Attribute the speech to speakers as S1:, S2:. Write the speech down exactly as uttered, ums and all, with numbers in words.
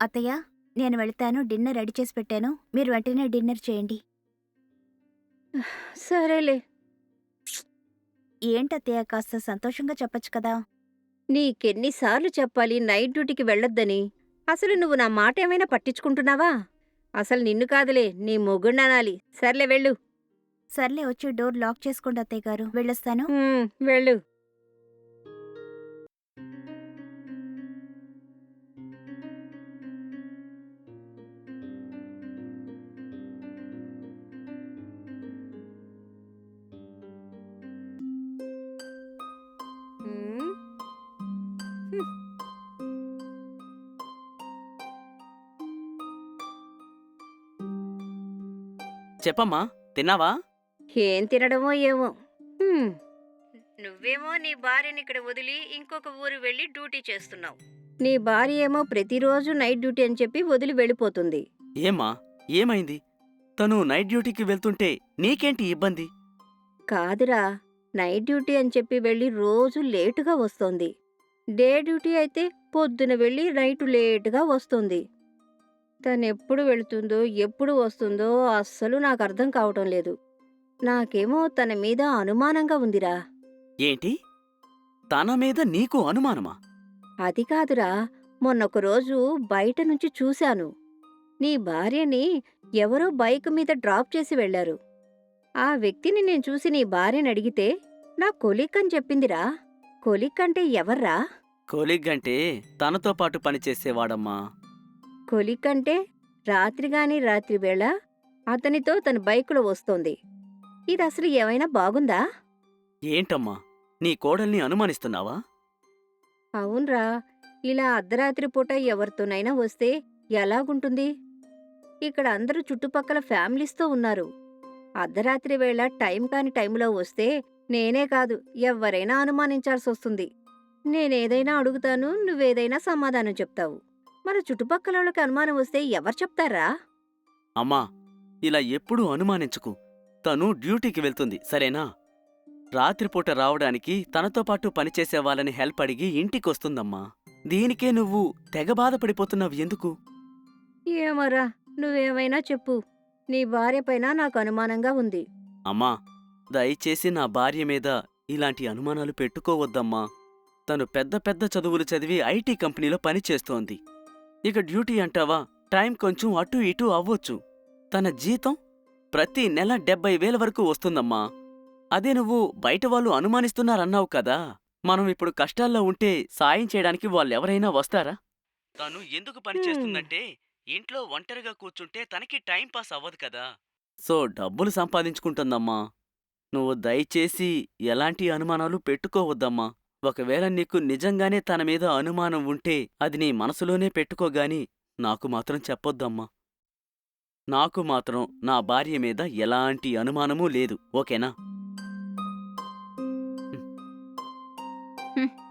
S1: అత్తయ్య, నేను వెళ్తాను. డిన్నర్ రెడీ చేసి పెట్టాను. మీరు వెంటనే డిన్నర్ చేయండి.
S2: సరేలే.
S1: ఏంటత్తయ్య, కాస్త సంతోషంగా చెప్పొచ్చు కదా!
S2: నీకెన్నిసార్లు చెప్పాలి నైట్ డ్యూటీకి వెళ్ళొద్దని? అసలు నువ్వు నా మాటేమైనా పట్టించుకుంటున్నావా? అసలు నిన్ను కాదులే, నీ మొగుణ్ణనాలి. సర్లే వెళ్ళు.
S1: సర్లే, వచ్చి డోర్ లాక్ చేసుకోండి అత్తయ్య గారు. వెళ్ళొస్తాను.
S2: హ్మ్. వెళ్ళు. హ్మ్. హ్మ్.
S3: చెప్పమ్మా, తిన్నావా?
S2: ఏం తినడమో ఏమో. హ్మ్. నువ్వేమో నీ భార్యనిక్కడ వదిలి ఇంకొక ఊరు వెళ్ళి డ్యూటీ చేస్తున్నావు. నీ భార్య ఏమో ప్రతిరోజు నైట్ డ్యూటీ అని చెప్పి వదిలి వెళ్ళిపోతుంది.
S3: ఏమ్మా, ఏమైంది? తను నైట్ డ్యూటీకి వెళ్తుంటే నీకేంటి ఇబ్బంది?
S2: కాదురా, నైట్ డ్యూటీ అని చెప్పి వెళ్ళి రోజు లేటుగా వస్తోంది. డే డ్యూటీ అయితే పొద్దున వెళ్ళి నైటు లేటుగా వస్తుంది. తనెప్పుడు వెళుతుందో, ఎప్పుడు వస్తుందో అస్సలు నాకర్థం కావటం లేదు. నాకేమో తన మీద అనుమానంగా ఉందిరా.
S3: ఏంటి? తన మీద నీకు అనుమానమా?
S2: అది కాదురా, మొన్నొక రోజు బయట నుంచి చూశాను. నీ భార్యని ఎవరో బైక్ మీద డ్రాప్ చేసి వెళ్లారు. ఆ వ్యక్తిని నేను చూసి నీ భార్యనడిగితే నా కొలీగ్ అని చెప్పిందిరా. కొలీగ్ అంటే ఎవర్రా?
S3: కొలీగ్ అంటే తనతో పాటు పనిచేసేవాడమ్మా.
S2: కొలీగ్ అంటే రాత్రిగాని రాత్రి వేళ అతనితో తన బైకులో వస్తోంది. ఇదసలు ఏమైనా బాగుందా?
S3: ఏంటమ్మా, నీ కోడల్ని అనుమానిస్తున్నావా?
S2: అవున్రా, ఇలా అర్ధరాత్రి పూట ఎవరితోనైనా వస్తే ఎలాగుంటుంది? ఇక్కడ అందరూ చుట్టుపక్కల ఫ్యామిలీస్తో ఉన్నారు. అర్ధరాత్రి వేళ టైం కాని టైంలో వస్తే నేనే కాదు, ఎవ్వరైనా అనుమానించాల్సొస్తుంది. నేనేదైనా అడుగుతాను, నువ్వేదైనా సమాధానం చెప్తావు. మన చుట్టుపక్కలోళ్ళకి అనుమానం వస్తే ఎవరు చెప్తారా?
S3: అమ్మా, ఇలా ఎప్పుడూ అనుమానించుకు. తను డ్యూటీకి వెళ్తుంది, సరేనా? రాత్రిపూట రావడానికి తనతో పాటు పనిచేసే వాళ్ళని హెల్ప్ అడిగి ఇంటికొస్తుందమ్మా. దీనికే నువ్వు తెగ బాధపడిపోతున్నావు ఎందుకు?
S2: ఏమోరా, నువ్వేమైనా చెప్పు. నీ భార్యపైన నాకు అనుమానంగా ఉంది.
S3: అమ్మా, దయచేసి నా భార్య మీద ఇలాంటి అనుమానాలు పెట్టుకోవద్దమ్మా. తను పెద్ద పెద్ద చదువులు చదివి ఐటీ కంపెనీలో పనిచేస్తోంది. ఇక డ్యూటీ అంటావా, టైం కొంచెం అటూ ఇటూ అవ్వొచ్చు. తన జీతం ప్రతి నెల డెబ్బై వేల వరకు వస్తుందమ్మా. అదే నువ్వు బయటవాళ్ళు అనుమానిస్తున్నారన్నావు కదా, మనం ఇప్పుడు కష్టాల్లో ఉంటే సాయం చేయడానికి వాళ్ళెవరైనా వస్తారా? తను ఎందుకు
S2: హ్మ్.
S3: పనిచేస్తుందంటే ఇంట్లో ఒంటరిగా కూర్చుంటే తనకి టైం పాస్ అవ్వదు కదా, సో డబ్బులు సంపాదించుకుంటుందమ్మా. నువ్వు దయచేసి ఎలాంటి అనుమానాలు పెట్టుకోవద్దమ్మా. ఒకవేళ నీకు నిజంగానే తన మీద అనుమానం ఉంటే అది నీ మనసులోనే పెట్టుకోగాని నాకు మాత్రం చెప్పొద్దమ్మా. నాకు మాత్రం నా భార్య మీద ఎలాంటి అనుమానమూ లేదు, ఓకేనా?
S1: హ్మ్.